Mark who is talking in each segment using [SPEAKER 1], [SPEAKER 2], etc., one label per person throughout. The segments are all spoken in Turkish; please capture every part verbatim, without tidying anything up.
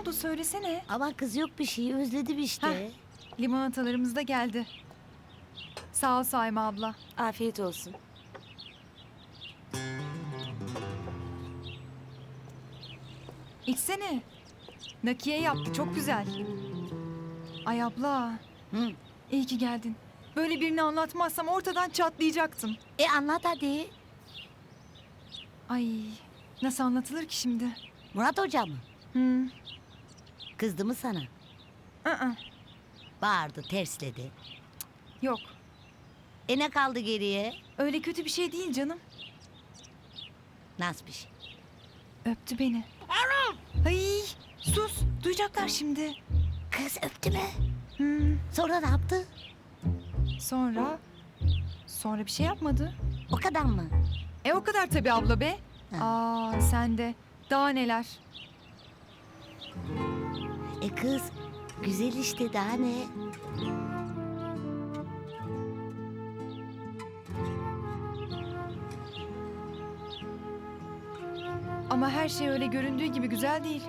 [SPEAKER 1] oldu söylesene.
[SPEAKER 2] Ama kız yok bir şey, özledim işte.
[SPEAKER 1] Heh. Limonatalarımız da geldi. Sağ ol Saime abla.
[SPEAKER 2] Afiyet olsun.
[SPEAKER 1] İçsene. Nakiye yaptı çok güzel. Ay abla.
[SPEAKER 2] Hı.
[SPEAKER 1] İyi ki geldin. Böyle birini anlatmazsam ortadan çatlayacaktım.
[SPEAKER 2] E anlat hadi.
[SPEAKER 1] Ay nasıl anlatılır ki şimdi?
[SPEAKER 2] Murat Hoca mı?
[SPEAKER 1] Hı.
[SPEAKER 2] Kızdı mı sana?
[SPEAKER 1] ı-ı,
[SPEAKER 2] Bağırdı, tersledi.
[SPEAKER 1] Yok.
[SPEAKER 2] E ne kaldı geriye?
[SPEAKER 1] Öyle kötü bir şey değil canım.
[SPEAKER 2] Nasıl bir şey?
[SPEAKER 1] Öptü beni. Ay sus. Duyacaklar şimdi.
[SPEAKER 2] Kız öptü mü?
[SPEAKER 1] Hı.
[SPEAKER 2] Sonra ne yaptı?
[SPEAKER 1] Sonra... Sonra bir şey yapmadı.
[SPEAKER 2] O kadar mı?
[SPEAKER 1] E o kadar tabii abla be.
[SPEAKER 2] Ha.
[SPEAKER 1] Aa sen de. Daha neler.
[SPEAKER 2] E kız, güzel işte, daha ne?
[SPEAKER 1] Ama her şey öyle göründüğü gibi güzel değil.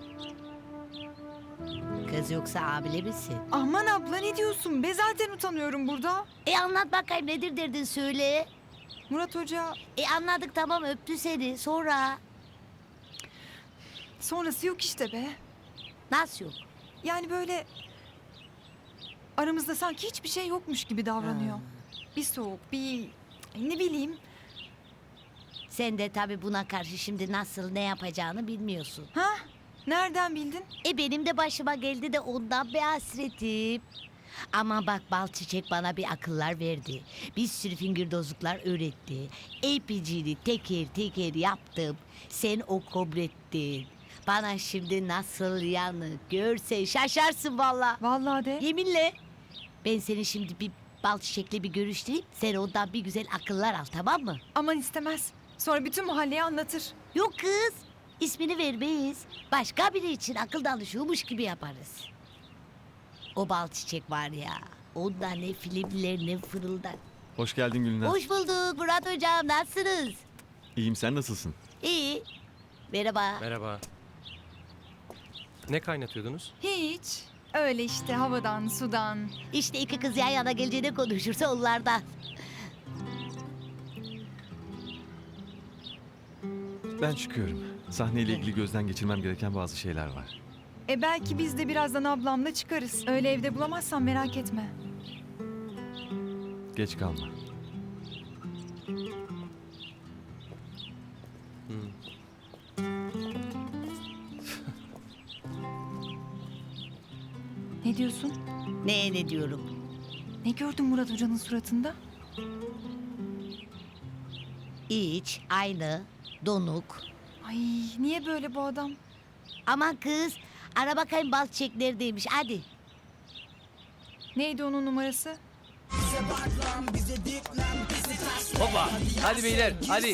[SPEAKER 2] Kız yoksa abile misin?
[SPEAKER 1] Aman abla ne diyorsun be? Zaten utanıyorum burada.
[SPEAKER 2] E anlat bakayım, nedir derdin, söyle.
[SPEAKER 1] Murat Hoca
[SPEAKER 2] E anladık, tamam, öptü seni, sonra?
[SPEAKER 1] sonrası yok işte be.
[SPEAKER 2] Nasıl yok?
[SPEAKER 1] Yani böyle aramızda sanki hiçbir şey yokmuş gibi davranıyor.
[SPEAKER 2] Ha.
[SPEAKER 1] Bir soğuk, bir ne bileyim.
[SPEAKER 2] Sen de tabii buna karşı şimdi nasıl, ne yapacağını bilmiyorsun.
[SPEAKER 1] Ha? Nereden bildin?
[SPEAKER 2] E benim de başıma geldi de ondan bir hasretim. Ama bak, bal çiçek bana bir akıllar verdi. Bir sürü fingirdozluklar öğretti. Epicini teker teker yaptım. Sen o kobrettin. Bana şimdi nasıl yanık, görsen şaşarsın valla.
[SPEAKER 1] Vallahi de.
[SPEAKER 2] Yeminle. Ben seni şimdi bir bal çiçekle bir görüştüreyim. Sen ondan bir güzel akıllar al, tamam mı?
[SPEAKER 1] Aman istemez. Sonra bütün mahalleye anlatır.
[SPEAKER 2] Yok kız. İsmini vermeyiz. Başka biri için akıl danışıyormuş gibi yaparız. O bal çiçek var ya. Onda ne filmler ne fırıldar.
[SPEAKER 3] Hoş geldin Gülnaz.
[SPEAKER 2] Hoş bulduk Murat hocam, nasılsınız?
[SPEAKER 3] İyiyim, sen nasılsın?
[SPEAKER 2] İyi. Merhaba.
[SPEAKER 4] Merhaba. Ne kaynatıyordunuz?
[SPEAKER 1] Hiç. Öyle işte havadan, sudan.
[SPEAKER 2] İşte iki kız yan yana geleceğine konuşursa onlardan.
[SPEAKER 3] Ben çıkıyorum. Sahneyle ilgili gözden geçirmem gereken bazı şeyler var.
[SPEAKER 1] E belki biz de birazdan ablamla çıkarız. Öyle evde bulamazsan merak etme.
[SPEAKER 3] Geç kalma.
[SPEAKER 1] Ne diyorsun?
[SPEAKER 2] Ne ne diyorum?
[SPEAKER 1] Ne gördün Murat Hoca'nın suratında?
[SPEAKER 2] İç, aynı, donuk.
[SPEAKER 1] Ay niye böyle bu adam?
[SPEAKER 2] Aman kız, ara bakayım bal çiçek neredeymiş, hadi.
[SPEAKER 1] Neydi onun numarası?
[SPEAKER 5] Hoppa. Hadi beyler hadi.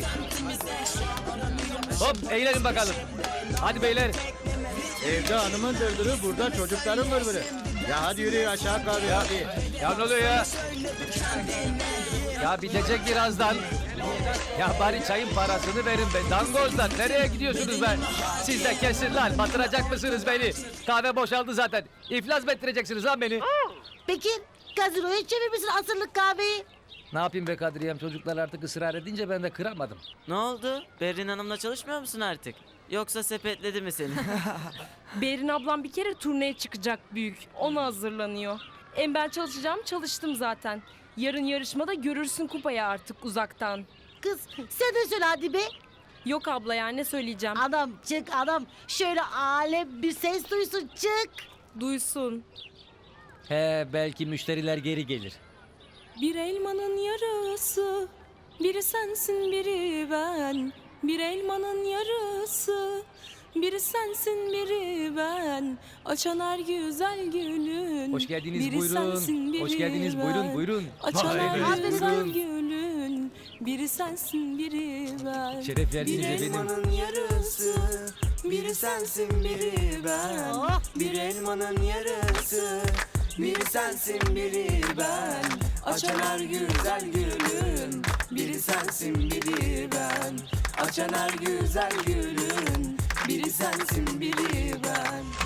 [SPEAKER 5] Hop eğlenin bakalım. Hadi beyler.
[SPEAKER 6] Evde hanımın dırdırı, burada çocukların vırvırı. Ya hadi yürü aşağı kahve hadi.
[SPEAKER 5] Ya ne oluyor ya? Ya bitecek birazdan. Ya bari çayın parasını verin be. Dangozlar nereye gidiyorsunuz be? Siz de kesin lan. Batıracak mısınız beni? Kahve boşaldı zaten. İflas mı ettireceksiniz lan beni?
[SPEAKER 2] Peki, gazinoya çevirmişsin asırlık kahveyi.
[SPEAKER 5] Ne yapayım be Kadriyem? Çocuklar artık ısrar edince ben de kıramadım.
[SPEAKER 7] Ne oldu? Berrin Hanım'la çalışmıyor musun artık? Yoksa sepetledi mi seni?
[SPEAKER 8] Berin ablam bir kere turneye çıkacak büyük. Ona hazırlanıyor. Hem ben çalışacağım, çalıştım zaten. Yarın yarışmada görürsün kupayı artık uzaktan.
[SPEAKER 2] Kız, sen de söyle hadi be.
[SPEAKER 8] Yok abla ya, ne söyleyeceğim?
[SPEAKER 2] Adam çık adam, şöyle alem bir ses duysun, çık.
[SPEAKER 8] Duysun.
[SPEAKER 5] He belki müşteriler geri gelir.
[SPEAKER 8] Bir elmanın yarısı, biri sensin biri ben. Bir elmanın yarısı, biri sensin biri ben. Açan her güzel gülün.
[SPEAKER 5] Hoş geldiniz,
[SPEAKER 8] biri
[SPEAKER 5] buyurun.
[SPEAKER 8] sensin, biri
[SPEAKER 5] Hoş geldiniz,
[SPEAKER 8] ben.
[SPEAKER 5] buyurun, buyurun.
[SPEAKER 8] Açan her
[SPEAKER 5] Buyurun.
[SPEAKER 8] güzel gülün. Biri sensin biri ben.
[SPEAKER 5] Şeref verdiniz
[SPEAKER 8] Bir
[SPEAKER 5] efendim.
[SPEAKER 8] elmanın yarısı, biri sensin biri ben.
[SPEAKER 2] Oh.
[SPEAKER 8] Bir elmanın yarısı, biri sensin biri ben. Açan her güzel gülün. Biri sensin biri ben. Açan her güzel gülün. Biri sensin biri ben.